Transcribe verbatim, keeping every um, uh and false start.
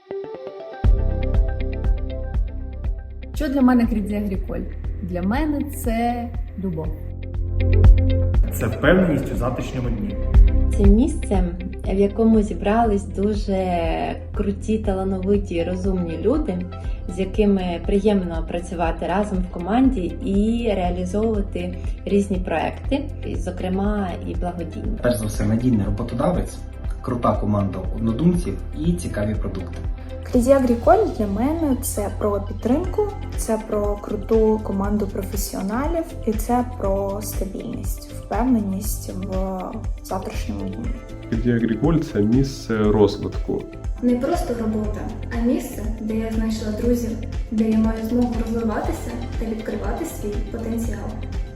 Що для мене Crédit Agricole? Для мене це любов. Це впевненість у завтрашньому дні. Це місце, в якому зібрались дуже круті, талановиті, розумні люди, з якими приємно працювати разом в команді і реалізовувати різні проекти, зокрема і благодійні. Перш за все, надійний роботодавець, крута команда однодумців і цікаві продукти. Crédit Agricole для мене це про підтримку, це про круту команду професіоналів і це про стабільність, впевненість в завтрашньому дні. Crédit Agricole – це місце розвитку. Не просто робота, а місце, де я знайшла друзів, де я маю змогу розвиватися та відкривати свій потенціал.